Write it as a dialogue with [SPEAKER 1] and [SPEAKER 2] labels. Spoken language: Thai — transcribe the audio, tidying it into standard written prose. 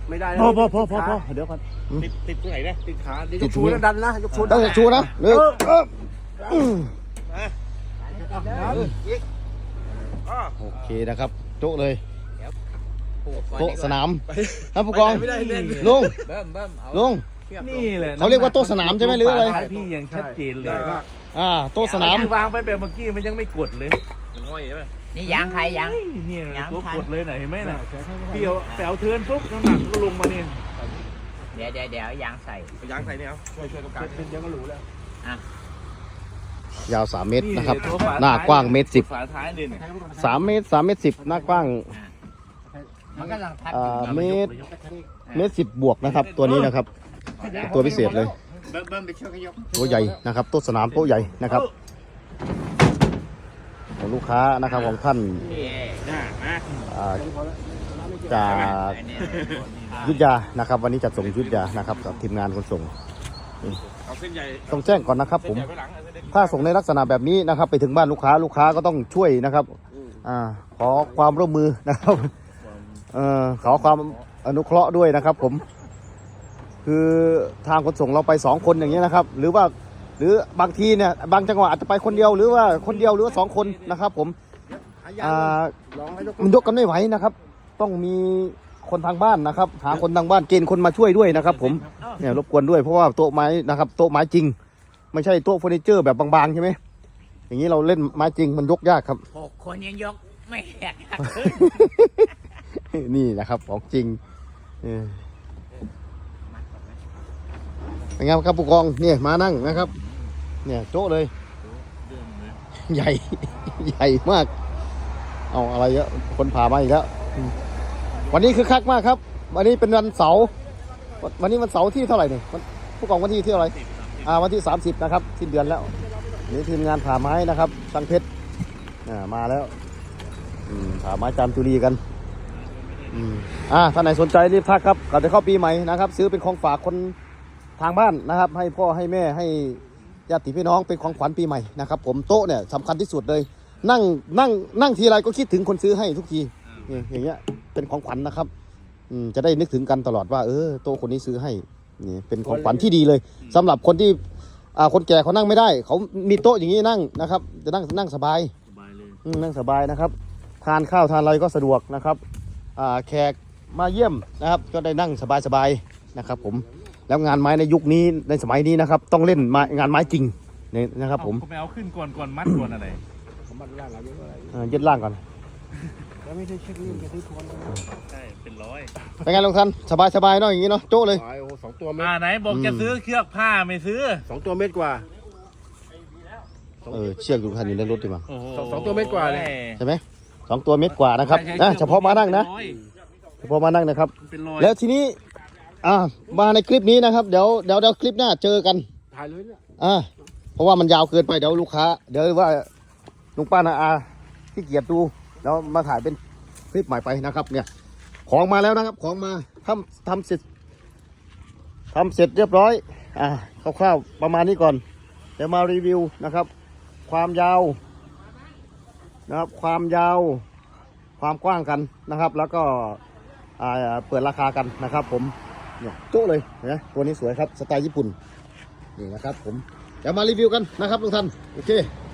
[SPEAKER 1] ไม่ได้
[SPEAKER 2] พอเดี๋ยวก่อนติดตรงไหนเนี่ย
[SPEAKER 1] ติดขาเดี๋ยวยกชูแล้วดันนะยกชู
[SPEAKER 3] ต้องชูนะเร็วโอเคนะครับโต๊ะเลยโต๊ะสนามท่านผู้กองลุง
[SPEAKER 2] นี่แหละ
[SPEAKER 3] เขาเรียกว่าโต๊ะสนามใช่ไหมหรืออะไร
[SPEAKER 2] พี่ยังชัดเจนเลย
[SPEAKER 3] โต๊ะสนาม
[SPEAKER 2] วางไปแบบเมื่อกี้มันยังไม่กดเลย
[SPEAKER 4] นี่ยางใครยาง
[SPEAKER 2] นี่ตัวกดเลยไหนเห็นไหมน่ะพี่เอาเทินปุ๊บน้ำหนักก็ลงมาเนี่ย
[SPEAKER 4] เดี๋ยวยางใส่
[SPEAKER 1] เนี่ยช่วยตรงกลางเดี๋ยวก็รู้แล้ว
[SPEAKER 3] ยาว3 เมตรนะครับหน้ากว้าง1.10 เมตร
[SPEAKER 2] ฝาท้ายเลย
[SPEAKER 3] 3 เมตร10หน้ากว้างเมตร 10 บวกนะครับตัวนี้นะครับตัวพิเศษเลยตัวใหญ่นะครับโต๊ะสนามโต๊ะใหญ่นะครับของลูกค้านะครับของท่านจากยุทธยานะครับวันนี้จัดส่งยุทธยานะครับกับทีมงานขนส่งต้องแจ้งก่อนนะครับผมถ้าส่งในลักษณะแบบนี้นะครับไปถึงบ้านลูกค้าก็ต้องช่วยนะครับขอความร่วมมือนะครับขอความอนุเคราะห์ด้วยนะครับผมคือทางขนส่งเราไป2 คนอย่างเงี้ยนะครับหรือบางทีเนี่ยบางจังหวะอาจจะไปคนเดียวหรือว่าคนเดียวหรือว่า2 คนนะครับผมมันยกกันไม่ไหวนะครับต้องมีคนทางบ้านนะครับหาคนทางบ้านเกณฑ์คนมาช่วยด้วยนะครับผมเนี่ยรบกวนด้วยเพราะว่าโต๊ะไม้นะครับโต๊ะไม้จริงไม่ใช่โต๊ะเฟอร์นิเจอร์แบบบางๆใช่ไหมอย่างนี้เราเล่นไม้จริงมันยกยากครับ
[SPEAKER 4] 6 คนยังยกไม่แหก
[SPEAKER 3] นี่นะครับของจริงเป็นไงครับผู้กองเนี่ยมานั่งนะครับเนี่ยโต๊ะเลยใหญ่มากเอาอะไรเยอะคนผ่ามาอีกแล้ววันนี้คือคักมากครับวันนี้เป็นวันเสาร์วันนี้วันเสาร์ที่เท่าไหร่เนี่ยผู้กองวันที่เท่าไหร่วันที่30นะครับสิ้นเดือนแล้วนี่ทีมงานผ่าไม้นะครับสังเพชรมาแล้วผ่าไม้จามจุรีกันท่านไหนสนใจรีบทักครับก่อนจะเข้าปีใหม่นะครับซื้อเป็นของฝากคนทางบ้านนะครับให้พ่อให้แม่ให้ญาติพี่น้องเป็นของขวัญปีใหม่นะครับผมโต๊ะเนี่ยสำคัญที่สุดเลยนั่งทีไรก็คิดถึงคนซื้อให้ทุกทีอย่างเงี้ยเป็นของขวัญนะครับจะได้นึกถึงกันตลอดว่าโต๊ะคนนี้ซื้อให้นี่เป็นของขวัญที่ดีเลยสำหรับคนที่คนแก่เขานั่งไม่ได้เขามีโต๊ะอย่างนี้นั่งนะครับจะนั่งสบายนั่งสบายนะครับทานข้าวทานอะไรก็สะดวกนะครับแขกมาเยี่ยมนะครับก็ได้นั่งสบายๆนะครับผมแล้วงานไม้ในยุคนี้ในสมัยนี้นะครับต้องเล่นงานไม้จริงนี่นะครับผม
[SPEAKER 2] ไปเอาขึ้นก่อนมัดก่อนอะไร
[SPEAKER 1] มัดล่างอะไร
[SPEAKER 3] ยึดล่างก่อน
[SPEAKER 1] แล้วไม่ใช่เช็คนี่จะซื้อทวน
[SPEAKER 2] ใช่เป็น100
[SPEAKER 3] เป็นไงลุงทันสบายเนาะอย่างนี้เนาะโจ้เลย
[SPEAKER 1] 2 ตัวเมตร
[SPEAKER 2] ไหนบอกจะซื้อเชือกผ้าไม่ซื้อ
[SPEAKER 1] 2 ตัวเมตรกว่า
[SPEAKER 3] เชือกลุงทันอยู่ในรถดีมั้ง
[SPEAKER 1] 2 ตัวเมตรกว่าเลย
[SPEAKER 3] ใช่ไหม2 ตัวเมตรกว่านะครับเฉพาะมานั่งนะเฉพาะมานั่งนะครับแล้วทีนี้มาในคลิปนี้นะครับเดี๋ยวคลิปหน้าเจอกัน
[SPEAKER 1] ถ่ายเลยเนี่ย
[SPEAKER 3] เพราะว่ามันยาวเกินไปเดี๋ยวลูกค้าเดี๋ยวว่าลุงป้านาที่เกียรดูแล้วมาถ่ายเป็นคลิปใหม่ไปนะครับเนี่ยของมาแล้วนะครับของมาทำเสร็จเรียบร้อยคร่าวๆประมาณนี้ก่อนเดี๋ยวมารีวิวนะครับความยาวนะครับความกว้างกันนะครับแล้วก็เปิดราคากันนะครับผมเนี่ยโต๊ะเลยนะตัวนี้สวยครับสไตล์ญี่ปุ่นนี่นะครับผมเดี๋ยวมารีวิวกันนะครับทุกท่านโอเค